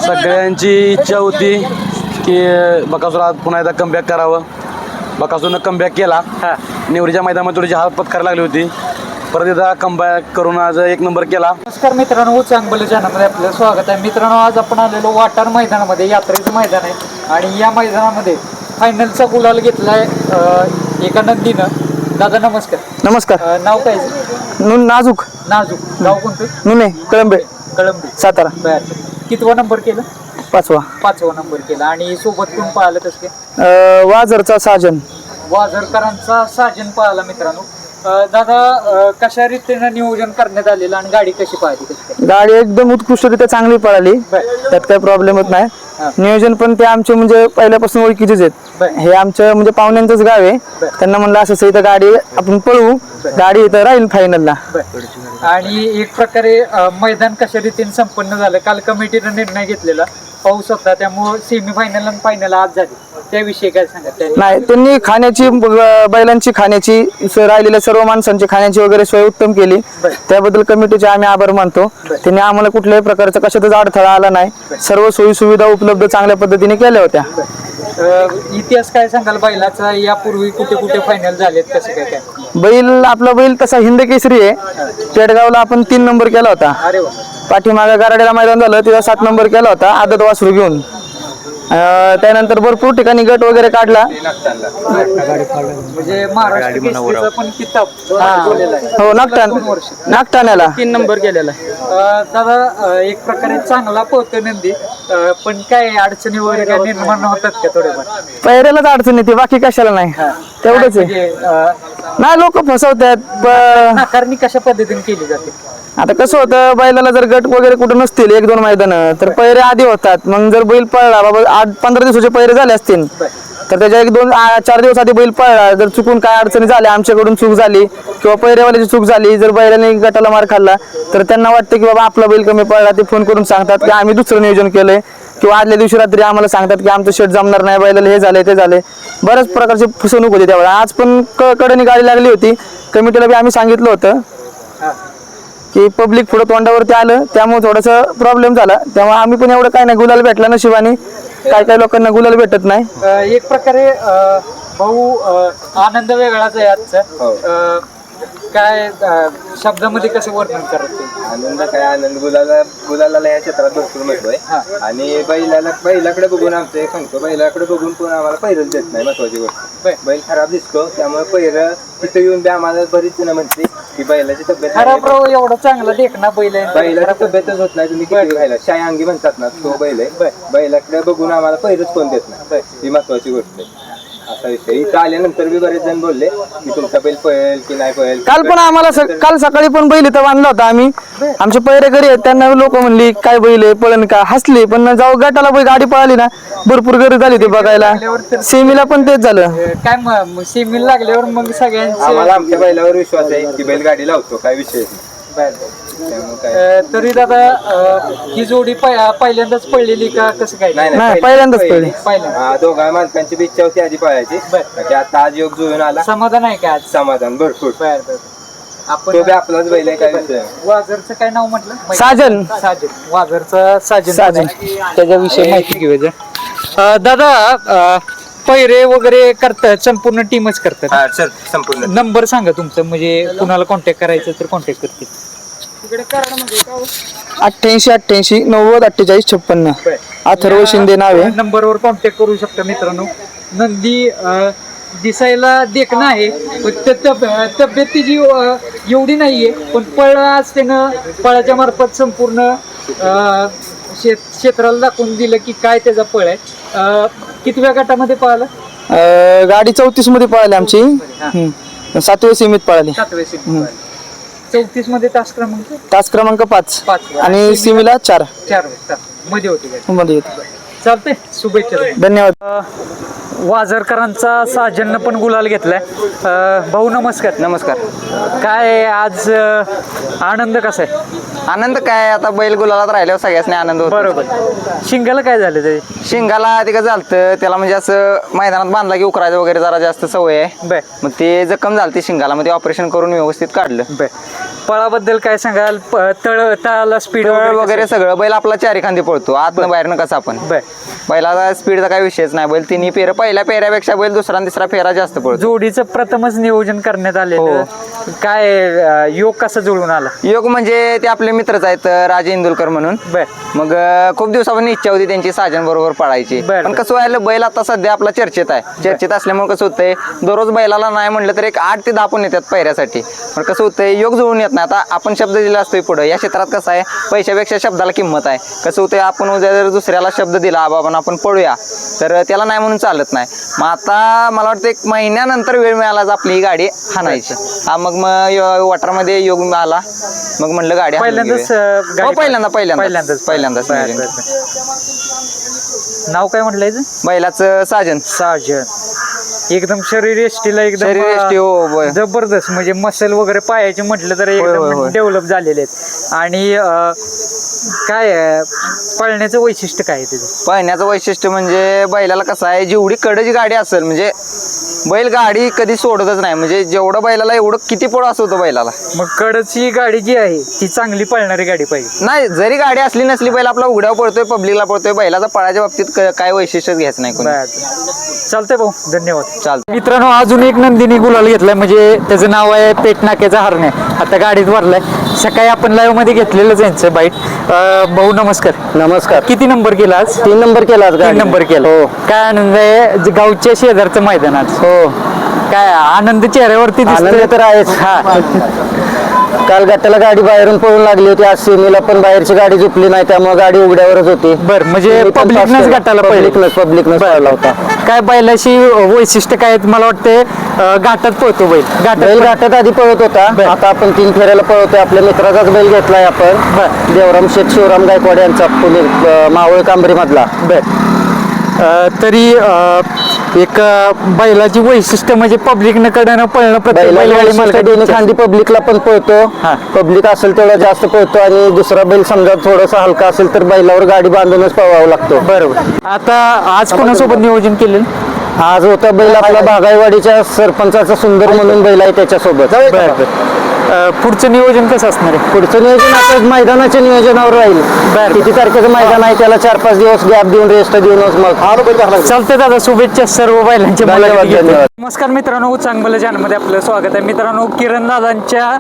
सगळ्यांची इच्छा होती की बकासूर आज पुन्हा एकदा कमबॅक करावं. बकासूरनं कमबॅक केला. निवडीच्या मैदानामध्ये थोडीशी हात पत्करायला लागली होती. परत एकदा कमबॅक करून आज एक नंबर केला. नमस्कार मित्रांनो, चांगलं चॅनलमध्ये आपलं स्वागत आहे. मित्रांनो, आज आपण आलेलो वाटार मैदानामध्ये, यात्रेचं मैदान आहे आणि या मैदानामध्ये फायनलचा गुलाल घेतलाय एका नंदीनं. दादा नमस्कार. नमस्कार. नाव काय? नाजूक. नाजूक. गाव कोणतं? नुने कळंबे कळंबी, सातारा. बर. कितवा नंबर केलं? पाचवा नंबर केला. आणि सोबत कोण पाहिलं तसं काय? वाजरचा साजन. वाझरकरांचा साजन पाहिला मित्रांनो. दादा, कशा रीतीनं नियोजन करण्यात आलेलं आणि गाडी कशी पाहिली? गाडी एकदम उत्कृष्टरित्या चांगली पळाली, त्यात काही प्रॉब्लेमच नाही. नियोजन पण ते आमचे म्हणजे पहिल्यापासून ओळखीचेच आहेत. हे आमचं म्हणजे पाहुण्यांचंच गाव आहे. त्यांना म्हणलं असं इथं गाडी आपण पळवू, गाडी इथं राहील फायनलला. आणि एक प्रकारे मैदान कशा रीतीने संपन्न झालं. काल कमिटीनं निर्णय घेतलेला, पाऊस होता, त्यामुळे सेमी फायनल आणि फायनल आज झाली. त्याविषयी काय सांगा? नाही, त्यांनी खाण्याची, बैलांची खाण्याची, राहिलेल्या सर्व माणसांची खाण्याची वगैरे सोय उत्तम केली. त्याबद्दल कमिटीचे आम्ही आभार मानतो. त्यांनी आम्हाला कुठल्याही प्रकारचा कशातच अडथळा आला नाही. सर्व सोयी सुविधा उपलब्ध चांगल्या पद्धतीने केल्या होत्या. इतिहास काय सांगाल बैलाचा? यापूर्वी कुठे कुठे फायनल झालेत, कसं काय काय? आपला बैल तसा हिंद केसरी आहे. पेडगावला आपण 3 नंबर केला होता. अरे वा. पाठीमागे गारड्याला मैदान झालं, तिथं 7 नंबर केला होता आदत वासरू घेऊन. त्यानंतर भरपूर ठिकाणी गट वगैरे काढला. म्हणजे महाराष्ट्र केसरीचा पण किताब हो, नागठाण्याला 3 नंबर केलेला. दादा, एक प्रकारे चांगला पोहतो नंदी, पण काय अडचणी वगैरे काय निर्माण होतात का थोडेफार? पहिल्यालाच अडचण येते, बाकी कशाला नाही. तेवढंच आहे. नाही, लोक फसवतात. नाकारणी कशा पद्धतीने केली जाते? आता कसं होतं, बैलाला जर गट वगैरे कुठं नसतील 1-2 मैदान, तर पैरे आधी होतात. मग जर बैल पळला, बाबा 8-15 दिवसाचे पैरे झाले असतील, तर त्याच्या 1-2-4 दिवस आधी बैल पळला, जर चुकून काय अडचणी झाल्या, आमच्याकडून चूक झाली किंवा पैरेवाल्याची चूक झाली, जर बैलाने गटाला मार खाल्ला, तर त्यांना वाटतं की बाबा आपला बैल कमी पळला. ते फोन करून सांगतात की आम्ही दुसरं नियोजन केलंय, किंवा आदल्या दिवशी रात्री आम्हाला सांगतात की आमचं शेट जमणार नाही, बैलाला हे झाले ते झाले. बऱ्याच प्रकारची फसवणूक होती त्यावेळेला. आज पण कडेने गाडी लागली होती. कमिटीला बी आम्ही सांगितलं होतं की पब्लिक पुढं तोंडावरती आलं, त्यामुळे थोडासा प्रॉब्लेम झाला. त्यामुळे आम्ही पण एवढं काय नाही, गुलाल भेटला नशिबाने. काय लोकांना गुलाल भेटत नाही. एक प्रकारे भाऊ, आनंद वेगळाच आहे आजचा. काय शब्दामध्ये कसं वर्णन करत? आनंद काय आनंद, गुलाला या क्षेत्रात भरपूर महत्व आहे. आणि बैलाकडे बघून आमचं सांगतो, बैलाकडे बघून पण आम्हाला पैरच देत नाही. महत्वाची गोष्ट, बैल खराब दिसतो, त्यामुळे पैर तिथे येऊन बी आम्हाला बरीच जण म्हणते की बैलाची तब्येत खराब. एवढा चांगला देखना बैल आहे, बैलाची तब्येतच होत नाही. तुम्ही किती खायला शाय अंगी म्हणतात ना, तो बैल आहे. बैलाकडे बघून आम्हाला पैरच कोण देत नाही, ही महत्वाची गोष्ट आहे. असा विषय. इथं आल्यानंतर बी बरेच जण बोलले की तुमचा बैल पळेल की नाही पळेल. काल पण आम्हाला काल सकाळी पण बैल इथं बांधला होता आम्ही. आमचे पैरे घरी आहेत, त्यांना लोक म्हणली काय बैल आहे, पळण का, हसली. पण जाऊ गटाला गाडी पळाली ना, भरपूर गर्दी झाली ती बघायला. सेमीला पण तेच झालं. काय सेमीला लागल्यावर मग सगळ्यांचे आम्हाला आमच्या बैलावर विश्वास आहे की बैल गाडी लावतो, काय विषय. तरी दादा, ही जोडी पहिल्यांदाच पडलेली का कसं काय? नाही, पहिल्यांदाच पळली. दोघा मालकांची बी इच्छा होती आधी पळायची. आता आज योग जुळून आला. समाधान आहे का आज? समाधान भरपूर. आपण तो बी आपलाच बैल आहे, काय विषय. वाझरचं काय नाव म्हटलं? साजन. वाझरचा साजन. त्याच्याविषयी माहिती घेऊया. दादा, पैरे वगैरे करतात, संपूर्ण टीमच करतात? सर, संपूर्ण नंबर सांगा तुमचं, म्हणजे कुणाला कॉन्टॅक्ट करायचं तर कॉन्टॅक्ट करतील. 88 90 48 56. अथर्व शिंदे नाव आहे. नंबरवर कॉन्टॅक्ट करू शकता मित्रांनो. नंदी दिसायला देखणं आहे, पण तब्येत तिची एवढी नाहीये, पण पळ आज त्यानं पळाच्या मार्फत संपूर्ण क्षेत्राला दाखवून दिलं की काय त्याचा पळ आहे. कितव्या गटामध्ये पळाला? गाडी 34 मध्ये पळाली आमची. 7व्या सीमित पळाली. 7व्या सीमित. 34 मध्ये तास क्रमांक 5 आणि सीमीला 4 मध्ये होती. मध्ये होती. चालतंय, शुभेच्छा. धन्यवाद. वाझरकरांचा साजननं पण गुलाल घेतलाय. भाऊ नमस्कार. नमस्कार. काय आज आनंद कसा आहे? आनंद काय, आता बैल गुलालात राहिल्यावर सगळ्याच आनंद होतो. बरोबर. शिंगाला काय झालं तरी? शिंगाला ते झालतं, त्याला म्हणजे असं मैदानात बांधला की उकरायचं वगैरे जरा जास्त सवय आहे. मग ते जखम झालती शिंगाला, मग ते ऑपरेशन करून व्यवस्थित काढलं. पळाबद्दल काय सांगाल? तळाला स्पीड वगैरे सगळं बैल आपला चारी खांदी पळतो आतनं बाहेरनं कसं आपण बर. बैलाचा स्पीडचा काही विषयच नाही. बैल तिन्ही फेर पहिल्या फेऱ्यापेक्षा बैल दुसरा आणि तिसरा फेरा जास्त पळतो. जोडीचं प्रथमच नियोजन करण्यात आलेलं. हो. काय योग कसा जुळून आला? योग म्हणजे ते आपले मित्रच आहेत राजे इंदुलकर म्हणून. बर. मग खूप दिवसापासून इच्छा होती त्यांची साजन बरोबर पळायची. बर. पण कसं व्हायला बैल आता सध्या आपला चर्चेत आहे. चर्चेत असल्यामुळे कसं होतंय दररोज बैलाला नाही म्हणलं तर एक 8 ते 10 पण येतात पैऱ्यासाठी. पण कसं होतंय योग जुळून येत नाही. आता आपण शब्द दिला असतोय पुढे या क्षेत्रात कसं आहे पैशापेक्षा शब्दाला किंमत आहे. कसं होतंय आपण उद्या जर दुसऱ्याला शब्द दिला बाबा आपण पळूया तर त्याला नाही म्हणून चालत नाही. मग आता मला वाटतं 1 महिन्यानंतर वेळ मिळाला आपली ही गाडी हाणायची. हा मग वॉटरमध्ये योग आला. मग म्हणलं गाडी पहिल्यांदाच पहिल्यांदाच बर, बर. नाव काय म्हटलंय बैलाचं साजन. साजन. एकदम शरीर एष्टीला शरीर एष्टी, हो, एकदम होय. जबरदस्त. म्हणजे मसल वगैरे पायाचे म्हटलं तर होय, एकदम होय. डेव्हलप झालेले आहेत. आणि काय पळण्याचं वैशिष्ट्य काय आहे त्याचं? पळण्याचं वैशिष्ट्य म्हणजे बैलाला कसं आहे जेवढी कडची गाडी असेल म्हणजे बैल गाडी कधी सोडतच नाही. म्हणजे जेवढं बैलाला एवढं किती पळ असं होतं बैलाला. मग कडची गाडी जी आहे ती चांगली पळणारी गाडी पाहिजे. नाही जरी गाडी असली नसली बैल आपला उघड्यावर पडतोय पब्लिकला पडतोय. बैलाचा पळाच्या बाबतीत काय वैशिष्ट्यच घ्यायचं नाही कोणी. चालतंय भाऊ, धन्यवाद. चालतं. मित्रांनो अजून एक नंदिनी गुलाल घेतलाय. म्हणजे त्याचं नाव आहे पेटनाक्याचा हरणे. आता गाडीत भरलाय. सकाळी आपण लाईव्ह मध्ये घेतलेलंच यांचं बाईट. भाऊ नमस्कार. नमस्कार. किती नंबर केला आज? 3 नंबर केला आज 3 नंबर केला. हो. काय आनंद आहे गावच्या शेजारचं मैदान आज. हो. काय आनंद चेहऱ्यावरती आनंद दिसतोय. तर आहेच. हा. काल गटाला गाडी बाहेरून पळून लागली होती. आज सेमीला पण बाहेरची गाडी झुपली नाही त्यामुळे गाडी उघड्यावरच होती. बर. म्हणजे पब्लिकनच गटाला पब्लिकनच पळला होता. काय बैलाशी वैशिष्ट्य काय आहेत? मला वाटतं घाटात पळतो बैल. बैल घाटात आधी पळत होता. आता आपण 3 फेऱ्याला पळवतोय. आपल्या मित्राचाच बैल घेतलाय आपण. देवराम शेठ शिवराम गायकवाड यांचा पुणे मावळ कांबरी मधला. तरी एक बैलाची वैशिष्ट्य म्हणजे पब्लिकनं कडनं पळणं. प्रत्येक बैलगाडी दोन्ही मालकाची खांदी पब्लिकला पण पळतो. हा. पब्लिक असेल तेवढा जास्त पळतो आणि दुसरा बैल समजा थोडासा हलका असेल तर बैलावर गाडी बांधूनच पळवावं लागतो. बरोबर. आता आज कोणासोबत नियोजन केलेलं? आज होता बैल आपला बागाईवाडीच्या सरपंचाचा सुंदर म्हणून बैल आहे त्याच्यासोबत. पुढचं नियोजन कसं असणार आहे? पुढचं नियोजन आता मैदानाच्या नियोजनावर राहील. किती तारखेचं मैदान आहे त्याला 4-5 दिवस गॅप देऊन रेस्ट देऊनच मग चालतंय दादा. शुभेच्छा सर्व बैलांच्या धन्यवाद, मुलाखती घेतल्या. धन्यवाद. नमस्कार मित्रांनो, चांगलं चॅनलमध्ये आपलं स्वागत आहे. मित्रांनो किरण दादांच्या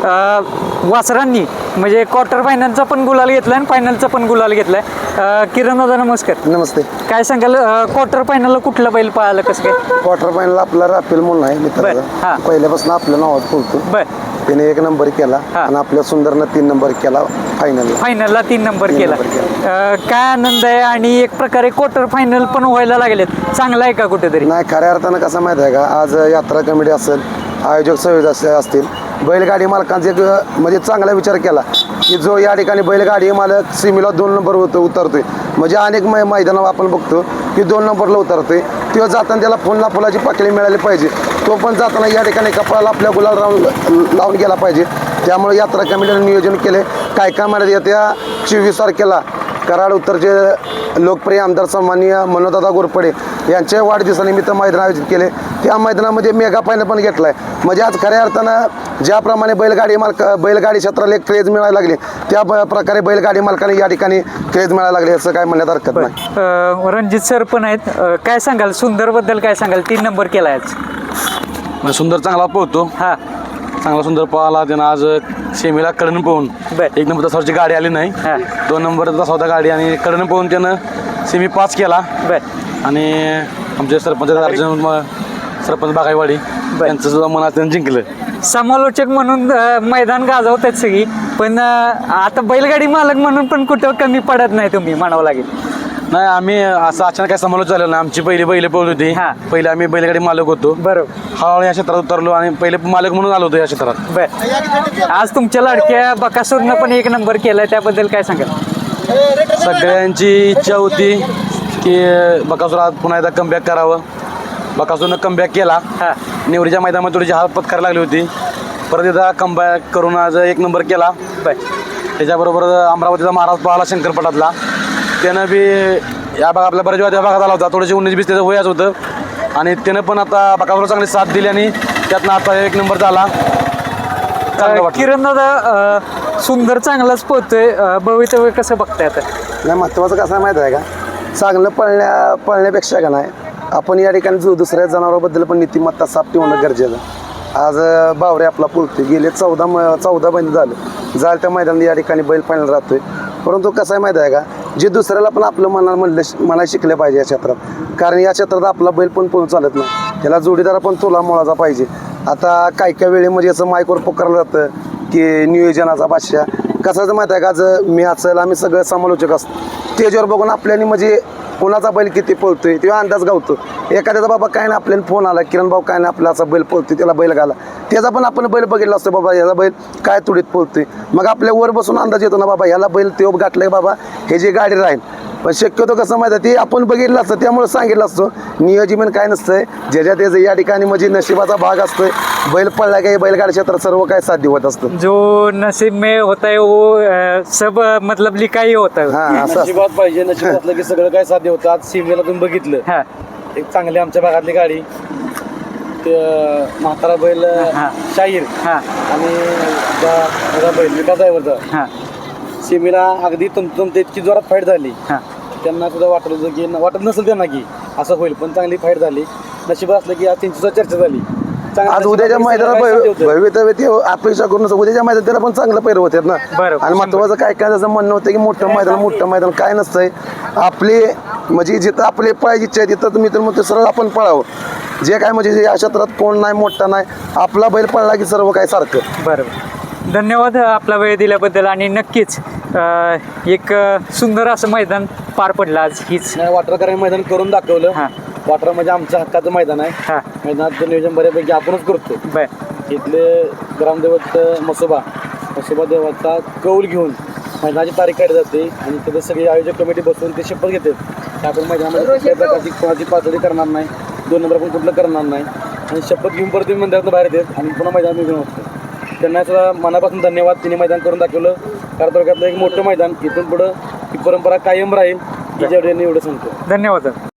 वासरांनी म्हणजे क्वार्टर फायनलचा पण गुलाल घेतलाय आणि फायनलचा पण गुलाल घेतलाय. किरण दादा नमस्कार. नमस्ते. काय सांगाल क्वार्टर फायनलला कुठला बैल पळाला कसं काय? क्वार्टर फायनल आपला राफेल म्हणून आहे बर. मित्राचा. हा. पहिल्यापासून आपल्या नावात बोलतो. बर. त्याने 1 नंबर केला हा. आणि आपल्या सुंदरनं 3 नंबर केला फायनलला. फायनलला 3 नंबर केला. नंबर काय आनंद आहे. आणि एक प्रकारे क्वार्टर फायनल पण व्हायला लागलेत. चांगला आहे का कुठेतरी? नाही खऱ्या अर्थानं कसं माहिती आहे का आज यात्रा कमिटी असेल आयोजक संयोजक असतील बैलगाडी मालकांचा एक म्हणजे चांगला विचार केला की जो या ठिकाणी बैलगाडी मालक सीमेला 2 नंबर उतरतोय. म्हणजे अनेक मैदानावर आपण बघतो की 2 नंबरला उतरतोय. तो जाताना त्याला फुलाची पाकळी मिळाली पाहिजे. तो पण जाताना या ठिकाणी कपडाला आपल्या गुलाल लावून गेला पाहिजे. त्यामुळे यात्रा कमिटीने नियोजन केले. काय महिन्यात येत्या 24 तारखेला कराड उत्तरचे लोकप्रिय आमदार सन्माननीय मनोजदादा घोरपडे यांच्या वाढदिवसानिमित्त मैदान आयोजित केले. त्या मैदानामध्ये मेगा फायनल पण घेतलाय. म्हणजे आज खऱ्या अर्थानं ज्याप्रमाणे बैलगाडी क्षेत्राला एक क्रेज मिळायला लागली त्या प्रकारे बैलगाडी मालकाने या ठिकाणी क्रेज मिळायला लागले असं काय म्हणण्यात हरकत नाही. रणजित सर पण आहेत. काय सांगाल सुंदर बद्दल? काय सांगाल? 3 नंबर केला आज. म्हणजे सुंदर चांगला पोहतो. हा. चांगला सुंदर पळाला. त्यानं आज सेमीला कडनं पोहून बर. 1 नंबर तासावरची गाडी आली नाही. हा. 2 नंबर तासावता गाडी आणि कडनं पोहून त्यानं सेमी पास केला. बर. आणि आमचे सरपंच सरपंच बागाईवाडी यांचं सुद्धा मनात त्यानं जिंकलं. समालोचक म्हणून मैदान गाजवतात सगळी. पण आता बैलगाडी मालक म्हणून पण कुठं कमी पडत नाही तुम्ही म्हणावं लागेल. नाही आम्ही असं अचानक काय समालोच झालं नाही. आमची पहिली बैल पळत होती. हा. पहिले आम्ही बैलगाडी मालक होतो. बरोबर. हळूहळू या क्षेत्रात उतरलो आणि पहिले मालक म्हणून आलो होतो या क्षेत्रात. बर. आज तुमच्या लाडक्या बकासूरनं पण 1 नंबर केलाय. त्याबद्दल काय सांगाल? सगळ्यांची इच्छा होती की बकासूर आज पुन्हा एकदा कमबॅक करावं. बकासूरनं कमबॅक केला. हा. नेवरीच्या मैदानामध्ये थोडीशी हात पत्करायला लागली होती. परत एकदा कमबॅक करून आज 1 नंबर केला. बर. त्याच्याबरोबर अमरावतीचा महाराज पाहाला शंकरपटातला त्यानं बी या भाग आपल्या बऱ्याच वेळा त्या भागात आला होता. थोडीशी 19-20 त्याचं वयाच होतं आणि त्यानं पण आता बकासूरला चांगली साथ दिली आणि त्यातनं आता 1 नंबर झाला. चांगलं वाटलं. किरण दादा सुंदर चांगलाच पोहतोय, भवितव्य कसं बघताय आता? नाही, महत्त्वाचं कसं आहे माहिती आहे का, चांगलं पळण्यापेक्षा का नाही आपण या ठिकाणी दुसऱ्या जनावराबद्दल पण नीतिमत्ता साफ ठेवणं गरजेचं आहे. आज बावरे आपला पुलतोय, गेले 14 महिने झालं त्या मैदानात या ठिकाणी बैल पाळण्याला राहतोय. परंतु कसं आहे माहिती आहे का, जे दुसऱ्याला पण आपलं मनाला शिकलं पाहिजे या क्षेत्रात, कारण या क्षेत्रात आपला बैल पण पळून चालत नाही, त्याला जोडीदार पण तुला मोळाचा पाहिजे. आता काही वेळेमध्ये याचं माईकवर पुकारलं जातं की नियोजनाचा बादशाह. कसं माहिती आहे का, आज मी असेल आम्ही सगळं समालोचक असतो, स्टेजवर बघून आपल्याने म्हणजे कोणाचा बैल किती पळतोय तेव्हा अंदाज गावतो. एखाद्याचा बाबा काय नाही आपल्याला फोन आला, किरण भाऊ काय नाही आपला असा बैल पळतोय, त्याला बैल घाला, त्याचा पण आपण बैल बघितला असतो, बाबा ह्याचा बैल काय तुडीत पळतोय, मग आपल्या वर बसून अंदाज येतो ना बाबा ह्याला बैल तेव्हा गाठलाय बाबा हे जी गाडी राहील. पण शक्यतो कसं माहिती आहे ते आपण बघितलं असतं, त्यामुळे सांगितलं असतं नियोजन काय नसतंय, ज्याच्या त्याचं या ठिकाणी म्हणजे नशिबाचा भाग असतोय. बैल पडला काही बैलगाडी क्षेत्रात सर्व काय साध्य होत असतं. जो नसीब में होता है वो सब मतलब लिखाई होता है. हा असं असतं. नशिबात पाहिजे, नशिबात असलं की सगळं काय साध्य होतं. आज सीमेला तुम्ही बघितलं, हा एक चांगली आमच्या भागातली गाडी, ते म्हातारा बैल शाहीर हा आणि माझा बैल विकास ड्रायव्हरचा हा सीमेला अगदी तंतुतंत इतकी जोरात फाईट झाली. हा त्यांना सुद्धा वाटत होतं की वाटत नसेल त्यांना की असं होईल, पण चांगली फाईट झाली. नशिबात असलं की आज त्यांची सुद्धा चर्चा झाली. आज उद्याच्या मैदानात भवितव्य ते अपेक्षा करून उद्याच्या मैदानात त्याला पण चांगलं पैर होतात ना. बरोबर. आणि महत्वाचं काय काय त्याचं म्हणणं होतं की मोठं मैदान काय नसतंय, आपले म्हणजे जिथं आपले पळायची इच्छा आहे तिथं मी तर म्हणतो सरळ आपण पळावं. जे काय म्हणजे या क्षेत्रात कोण नाही मोठा नाही, आपला बैल पळला की सर्व काय सारखं. बरोबर. धन्यवाद आपला वेळ दिल्याबद्दल, आणि नक्कीच एक सुंदर असं मैदान पार पडलं आज. हीच वाटरकरांनी मैदान करून दाखवलं. हा. वाटर म्हणजे आमच्या हक्काचं मैदान आहे. हा मैदानाचं नियोजन बऱ्यापैकी आपणच करतो. बर इथले ग्रामदैवत मसोबा देवाचा कौल घेऊन मैदानाची तारीख काढली जाते आणि तिथे सगळी आयोजक कमिटी बसून ते शपथ घेतात की आपण मैदानामध्ये कुठल्याही प्रकारची कोणाची पातळी करणार नाही, 2 नंबर पण कुठलं करणार नाही, आणि शपथ घेऊन परत तुम्ही मंदिरातून बाहेर येतात आणि पुन्हा मैदानात निघून होतं. त्यांना सुद्धा मनापासून धन्यवाद. तिने मैदान करून दाखवलं. तालुक्यातलं एक मोठं मैदान, इथून पुढं ही परंपरा कायम राहील की जेवढे एवढं सांगतो. धन्यवाद.